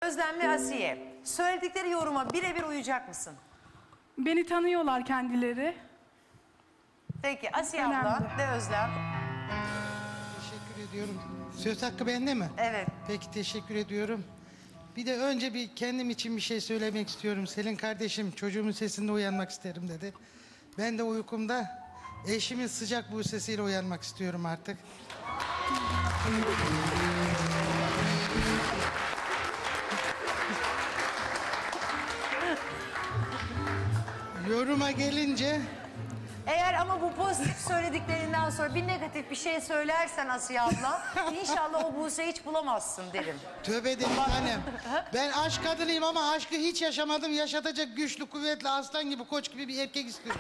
Özlem ve Asiye, söyledikleri yoruma birebir uyacak mısın? Beni tanıyorlar kendileri. Peki Asiye Önemli. abla ve Özlem. Teşekkür ediyorum. Söz hakkı bende mi? Evet. Peki teşekkür ediyorum. Bir de önce bir kendim için bir şey söylemek istiyorum. Selin kardeşim çocuğumun sesinde uyanmak isterim dedi. Ben de uykumda eşimin sıcak bu sesiyle uyanmak istiyorum artık. Yoruma gelince Eğer ama bu pozitif söylediklerinden sonra bir negatif bir şey söylersen Asiye abla, inşallah o Buse'yi hiç bulamazsın derim. tövbe de annem. Ben aşk kadınıyım ama aşkı hiç yaşamadım. Yaşatacak güçlü, kuvvetli, aslan gibi, koç gibi bir erkek istiyorum.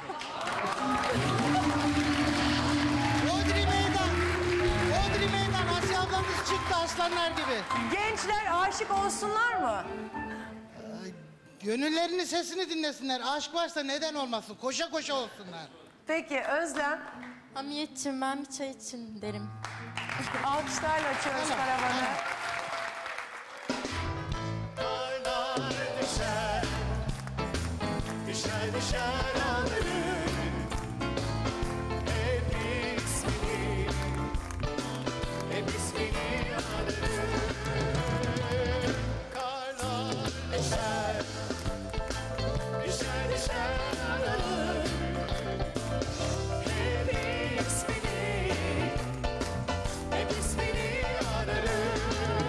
Odri meydan. Odri meydan. Asiye ablamız çıktı aslanlar gibi. Gençler aşık olsunlar mı? Gönüllerinin sesini dinlesinler. Aşk varsa neden olmasın? Koşa koşa olsunlar. Peki Özlem, Hamiyetciğim ben bir çay için derim. alkışlarla açıyoruz Tamam, karavanı. tamam. Karlar düşer, düşer düşer alırım. Hep ismini, hep ismini alırım. Karlar düşer, düşer düşer alırım. Hep ismini, hep ismini alırım.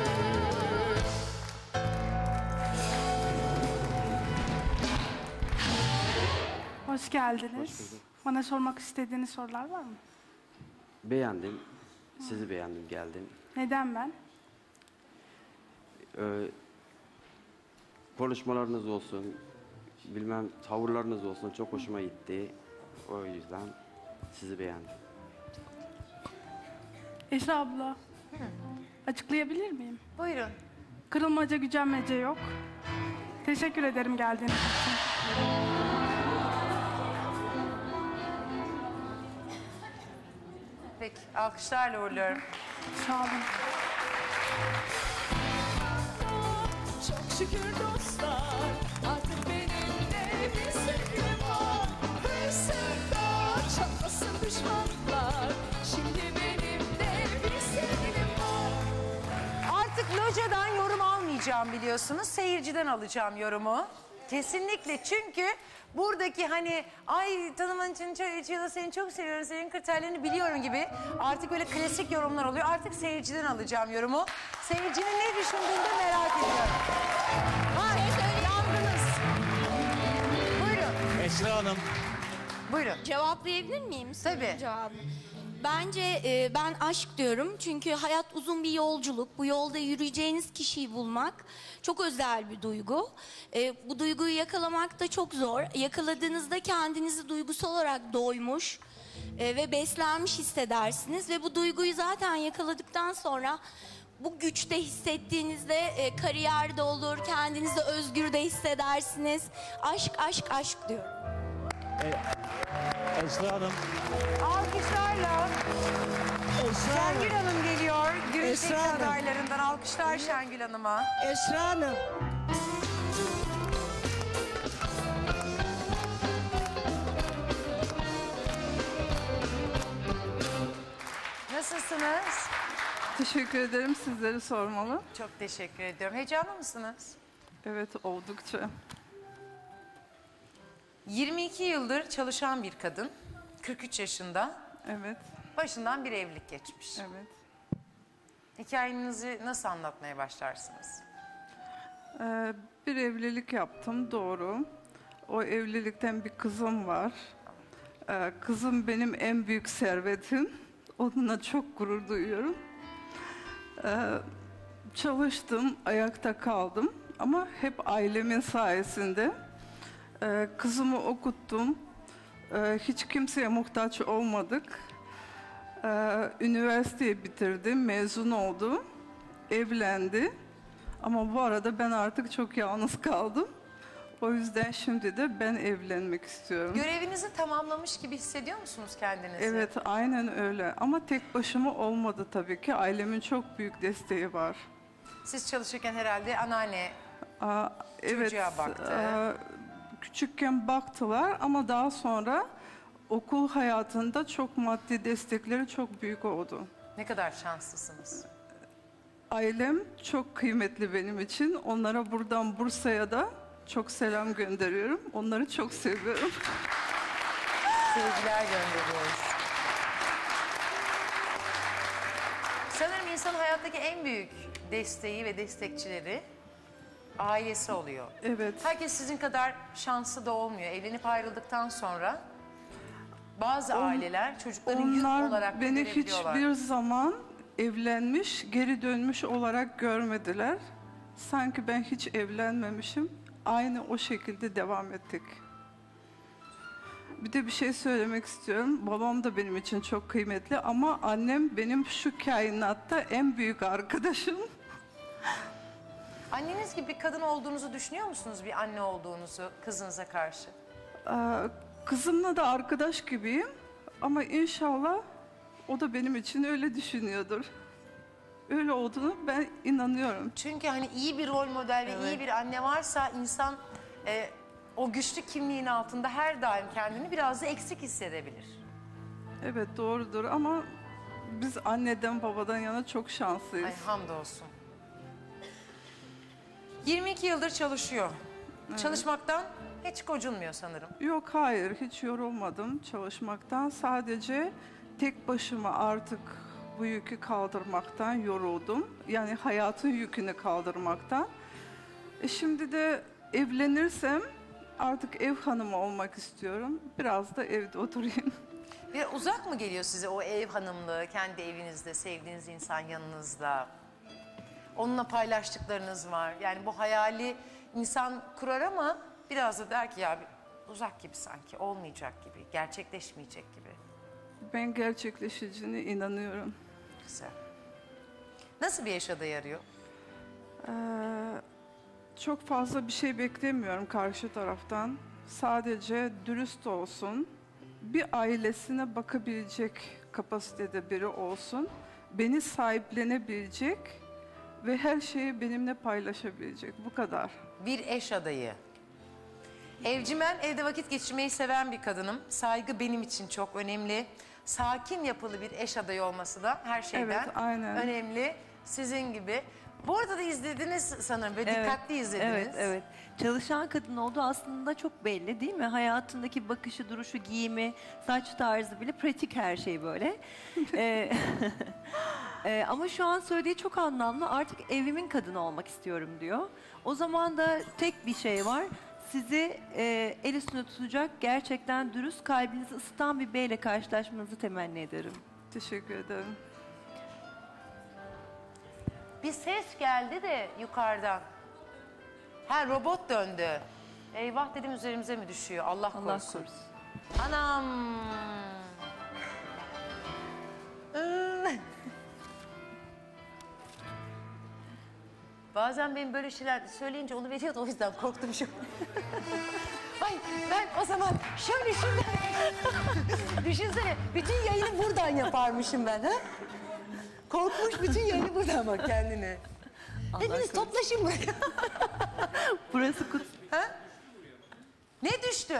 Hoş geldiniz. Bana sormak istediğiniz sorular var mı? Beğendim. Sizi beğendim, geldim. Neden ben? Konuşmalarınız olsun, bilmem tavırlarınız olsun çok hoşuma gitti. O yüzden sizi beğendim. Esra abla. Açıklayabilir miyim? Buyurun. Kırılmaca, gücenmece yok. Teşekkür ederim geldiğiniz için. Peki alkışlarla uğurluyorum. Sağ olun. Çok şükür dostlar, artık benim de bir sevgilim var. Hırsında çatlasın düşmanlar, şimdi benim de bir sevgilim var. Artık locadan yorum almayacağım biliyorsunuz. Seyirciden alacağım yorumu. Kesinlikle çünkü buradaki hani ay tanıman için seni çok seviyorum, senin kriterlerini biliyorum gibi artık böyle klasik yorumlar oluyor. Artık seyirciden alacağım yorumu. Seyircinin ne düşündüğünü de merak ediyorum. Hayır, yandınız. Buyurun, Esra Hanım, buyurun. Cevaplayabilir miyim? sorunun Tabii. cevabını? Bence ben aşk diyorum çünkü hayat uzun bir yolculuk. Bu yolda yürüyeceğiniz kişiyi bulmak çok özel bir duygu. Bu duyguyu yakalamak da çok zor. Yakaladığınızda kendinizi duygusal olarak doymuş ve beslenmiş hissedersiniz. Ve bu duyguyu zaten yakaladıktan sonra bu güçte hissettiğinizde kariyerde olur, kendinizi özgür de hissedersiniz. Aşk, aşk, aşk diyorum. Esra Hanım, Alkışlarla Şengül Hanım geliyor. Gürültü Esra Hanım. adaylarından alkışlar Şengül Hanım'a. Esra Hanım, Nasılsınız? Teşekkür ederim. Sizleri sormalı. Çok teşekkür ediyorum. Heyecanlı mısınız? Evet, oldukça. 22 yıldır çalışan bir kadın. 43 yaşında. Evet, Başından bir evlilik geçmiş. evet. Hikayenizi nasıl anlatmaya başlarsınız? Bir evlilik yaptım, doğru. O evlilikten bir kızım var. Kızım benim en büyük servetim. Onunla çok gurur duyuyorum. Çalıştım, ayakta kaldım. Ama hep ailemin sayesinde. Kızımı okuttum. Hiç kimseye muhtaç olmadık. Üniversiteyi bitirdi, mezun oldu, evlendi. Ama bu arada ben artık çok yalnız kaldım. O yüzden şimdi de ben evlenmek istiyorum. Görevinizi tamamlamış gibi hissediyor musunuz kendinizi? Evet, aynen öyle. Ama tek başıma olmadı tabii ki. Ailemin çok büyük desteği var. Siz çalışırken herhalde anneanne Evet, Çocuğa baktı. Küçükken baktılar ama daha sonra okul hayatında çok maddi destekleri çok büyük oldu. Ne kadar şanslısınız. Ailem çok kıymetli benim için. Onlara buradan Bursa'ya da çok selam gönderiyorum. Onları çok seviyorum. Sevgiler gönderiyoruz. Sanırım insanın hayattaki en büyük desteği ve destekçileri ailesi oluyor. Evet. Herkes sizin kadar şanslı da olmuyor. Evlenip ayrıldıktan sonra bazı aileler çocukların yük Onlar olarak beni görebiliyorlar. hiçbir zaman evlenmiş, geri dönmüş olarak görmediler. Sanki ben hiç evlenmemişim. Aynı o şekilde devam ettik. Bir de bir şey söylemek istiyorum. Babam da benim için çok kıymetli ama annem benim şu kainatta en büyük arkadaşım. Anneniz gibi bir kadın olduğunuzu düşünüyor musunuz, bir anne olduğunuzu kızınıza karşı? Kızımla da arkadaş gibiyim ama inşallah o da benim için öyle düşünüyordur. Öyle olduğunu ben inanıyorum. Çünkü hani iyi bir rol model ve iyi bir anne varsa insan o güçlü kimliğin altında her daim kendini biraz da eksik hissedebilir. Evet doğrudur ama biz anneden babadan yana çok şanslıyız. Ay hamdolsun. 22 yıldır çalışıyor. Çalışmaktan hiç gocunmuyor sanırım. Yok hayır hiç yorulmadım çalışmaktan. Sadece tek başıma artık bu yükü kaldırmaktan yoruldum. Yani hayatın yükünü kaldırmaktan. Şimdi de evlenirsem artık ev hanımı olmak istiyorum. Biraz da evde oturayım. Bir uzak mı geliyor size o ev hanımlığı, kendi evinizde, sevdiğiniz insan yanınızda? Onunla paylaştıklarınız var. Yani bu hayali insan kurar ama biraz da der ki ya uzak gibi sanki, olmayacak gibi, gerçekleşmeyecek gibi. Ben gerçekleşeceğine inanıyorum. Güzel. Nasıl bir eş adayı arıyor? Çok fazla bir şey beklemiyorum karşı taraftan. Sadece dürüst olsun. Bir ailesine bakabilecek kapasitede biri olsun. Beni sahiplenebilecek ve her şeyi benimle paylaşabilecek. Bu kadar. Bir eş adayı. Evcimen, evde vakit geçirmeyi seven bir kadınım. Saygı benim için çok önemli. Sakin yapılı bir eş adayı olması da her şeyden Evet, aynen. önemli. Sizin gibi. Bu arada da izlediniz sanırım, böyle dikkatli izlediniz. Evet, evet. Çalışan kadın olduğu aslında çok belli değil mi? Hayatındaki bakışı, duruşu, giyimi, saç tarzı bile pratik her şey böyle. Ama şu an söylediği çok anlamlı. Artık evimin kadını olmak istiyorum diyor. O zaman da tek bir şey var. Sizi el üstünde tutacak, gerçekten dürüst, kalbinizi ısıtan bir beyle karşılaşmanızı temenni ederim. Teşekkür ederim. Bir ses geldi de yukarıdan. Ha, robot döndü. Eyvah dedim, üzerimize mi düşüyor? Allah Allah korusun. korusun. Anam. Bazen benim böyle şeyler söyleyince onu veriyordu, o yüzden korktum şu. Ay ben o zaman şöyle şuradan... Düşünsene, bütün yayını buradan yaparmışım ben. Ha? Korkmuş, bütün yayını buradan bak kendine. Hepiniz toplaşın buraya. Burası kut. Ha? Ne düştü?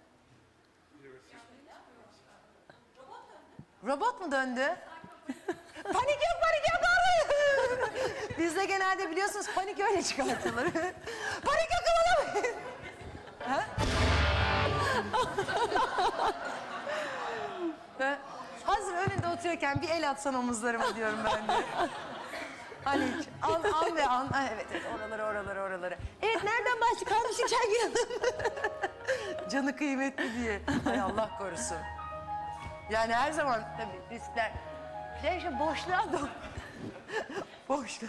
Robot mu döndü? Panik yok, panik yok. Bizde genelde biliyorsunuz panik öyle çıkartılır. Panik yok, kımıldamayın. Ha? Ha? Hazır önünde oturuyorken bir el atsan omuzlarıma diyorum ben de. Hani an ve an. Ha, evet, oraları. Evet, nereden başladık? Kalmışık Şengül Hanım. Canı kıymetli diye. Ay Allah korusun. Yani her zaman tabii riskler. Şey boşluğa doğru. Boşluğa.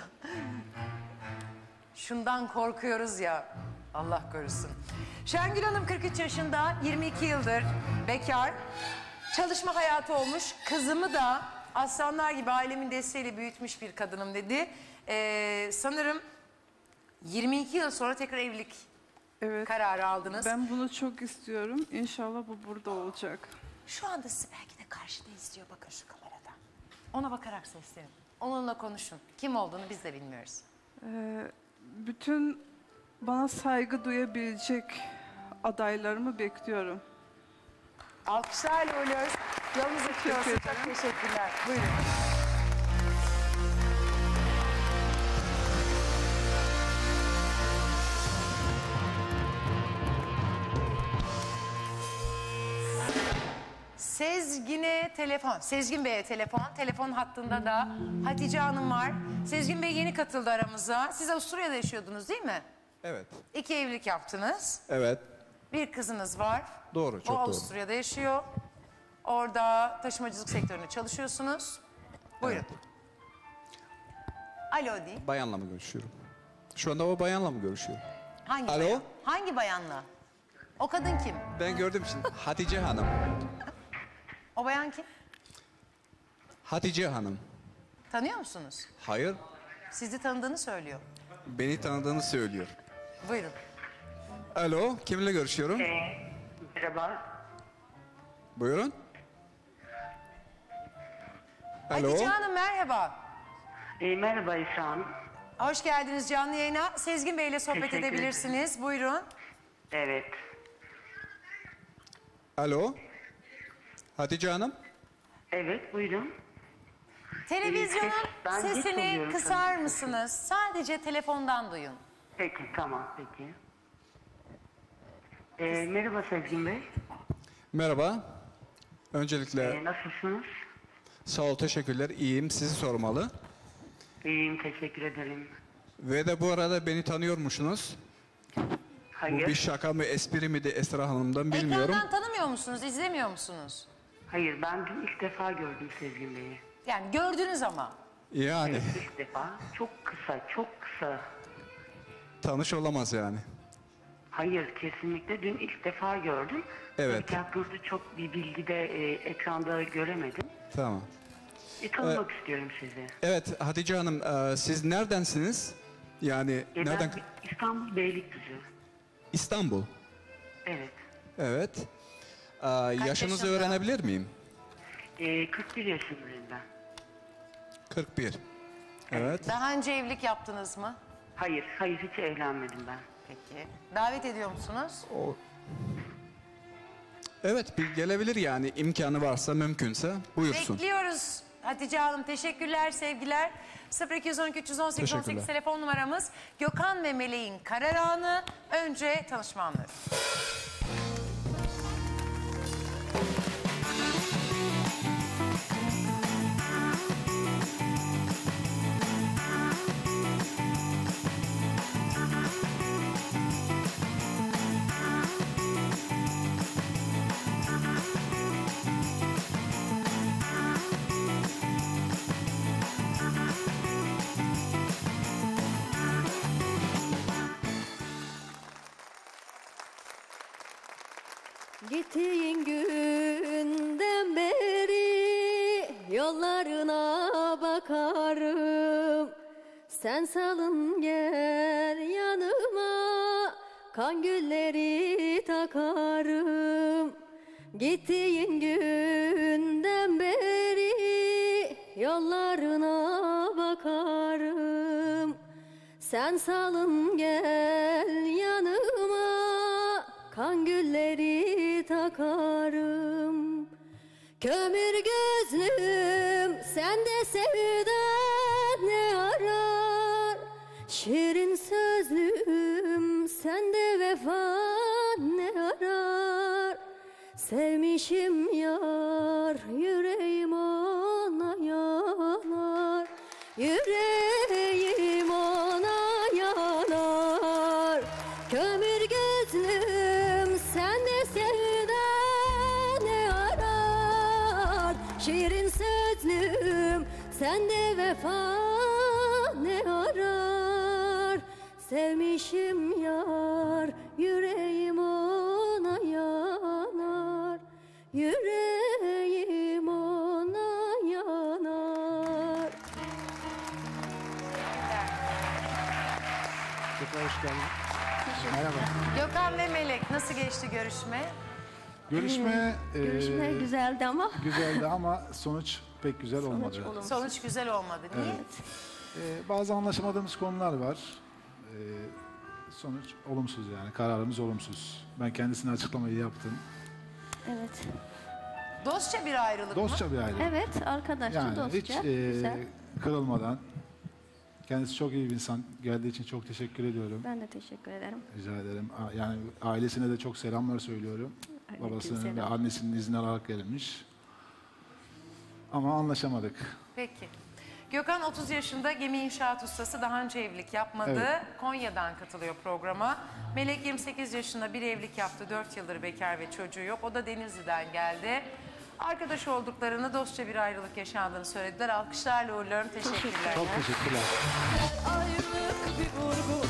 Şundan korkuyoruz ya. Allah korusun. Şengül Hanım 43 yaşında, 22 yıldır bekar. Çalışma hayatı olmuş. Kızımı da aslanlar gibi ailemin desteğiyle büyütmüş bir kadınım dedi. Sanırım 22 yıl sonra tekrar evlilik Evet. kararı aldınız. Ben bunu çok istiyorum. İnşallah bu burada olacak. Şu anda sizi belki de karşıda izliyor, bakın şu kameradan. Ona bakarak seslenin. Onunla konuşun. Kim olduğunu biz de bilmiyoruz. Bütün bana saygı duyabilecek adaylarımı bekliyorum. Alkışlarla uğurluyoruz. Yolunuz açık olsun. Çok teşekkürler. Buyurun. Sezgin'e telefon. Sezgin Bey'e telefon. Telefon hattında da Hatice Hanım var. Sezgin Bey yeni katıldı aramıza. Siz Avusturya'da yaşıyordunuz değil mi? Evet. 2 evlilik yaptınız. Evet. Bir kızınız var. Doğru, çok o doğru. Avusturya'da yaşıyor. Orada taşımacılık sektöründe çalışıyorsunuz. Buyurun. Alo deyin. Bayanla mı görüşüyorum? Şu anda o bayanla mı görüşüyorum? Hangi Alo? bayan? Hangi bayanla? O kadın kim? Ben gördüm şimdi. Hatice Hanım. O bayan kim? Hatice Hanım. Tanıyor musunuz? Hayır, Sizi tanıdığını söylüyor. beni tanıdığını söylüyor. Buyurun. Alo, kimle görüşüyorum? Merhaba. Buyurun. Alo. Hatice Hanım merhaba. Merhaba İsa Hanım. Hoş geldiniz canlı yayına. Sezgin Bey ile sohbet Teşekkür edebilirsiniz. Buyurun. Evet. Alo. Hatice Hanım. Evet buyurun. Televizyonun Ben geç sesini oluyorum kısar sanırım. mısınız? Sadece telefondan duyun. Peki tamam peki. Merhaba Sezgin Bey. Merhaba. Öncelikle Nasılsınız? sağ ol, teşekkürler. İyiyim, sizi sormalı. İyiyim teşekkür ederim. Ve de bu arada beni tanıyormuşsunuz. Hayır. Bu bir şaka mı, espri mi de Esra Hanım'dan bilmiyorum. Ekrandan tanımıyor musunuz? İzlemiyor musunuz? Hayır ben dün ilk defa gördüm Sezgin Bey'i. Yani gördünüz ama. Yani İlk defa. Çok kısa. tanış olamaz yani. Hayır kesinlikle dün ilk defa gördüm. Evet. Tabii ki hakkınızda çok bir bilgi de ekranda göremedim. Tamam. Tanımak istiyorum sizi. Evet Hatice Hanım, siz neredensiniz? Yani nereden? Ben İstanbul Beylikdüzü. İstanbul. Evet. Evet. Yaşınızı yaşında? öğrenebilir miyim? 41 yaşındayım ben. 41. Evet. Daha önce evlilik yaptınız mı? Hayır hiç evlenmedim ben. Peki. Davet ediyor musunuz? Evet, bir gelebilir yani imkanı varsa, mümkünse buyursun. Bekliyoruz Hatice Hanım. Teşekkürler, sevgiler. 0212 318 18 Teşekkürler. telefon numaramız. Gökhan ve Meleğin karar anı. Önce tanışma anları. Gittiğin günden beri yollarına bakarım. Sen salın gel yanıma, kan gülleri takarım. Gittiğin günden beri yollarına bakarım. Sen salın gel yanıma, kan gülleri takarım. Kömür gözlüm sende sevda ne arar? Şirin sözlüm sende vefa ne arar? Sevmişim yar yüreğim ona yanar. Yüreğim ona yanar. Kömür gözlüm sende sevda ne arar? Şirin sözlüm sende vefa ne arar? Sevmişim yar yüreğim ona yanar. Yüreğim ona yanar. Tekrar hoş geldin. Merhaba. Gökhan ve Melek nasıl geçti görüşme? Görüşme Güzeldi ama güzeldi ama sonuç pek güzel olmadı. Sonuç güzel olmadı. Niye? Bazı anlaşamadığımız konular var. sonuç olumsuz yani. Kararımız olumsuz. Ben kendisine açıklamayı yaptım. Evet. Dostça bir ayrılık mı? Dostça bir aile. Evet, arkadaşça, Yani dostça. hiç Güzel. kırılmadan. Kendisi çok iyi bir insan. Geldiği için çok teşekkür ediyorum. Ben de teşekkür ederim. Rica ederim. Yani ailesine de çok selamlar söylüyorum. Babasının ve selam. annesinin izni alarak gelmiş. Ama anlaşamadık. Peki. Gökhan 30 yaşında gemi inşaat ustası, daha önce evlilik yapmadı. Evet. Konya'dan katılıyor programa. Melek 28 yaşında bir evlilik yaptı. 4 yıldır bekar ve çocuğu yok. O da Denizli'den geldi. Arkadaş olduklarını, dostça bir ayrılık yaşandığını söylediler. Alkışlarla uğurluyorum. Teşekkürler. Çok teşekkürler. Ayrılık bir vurgu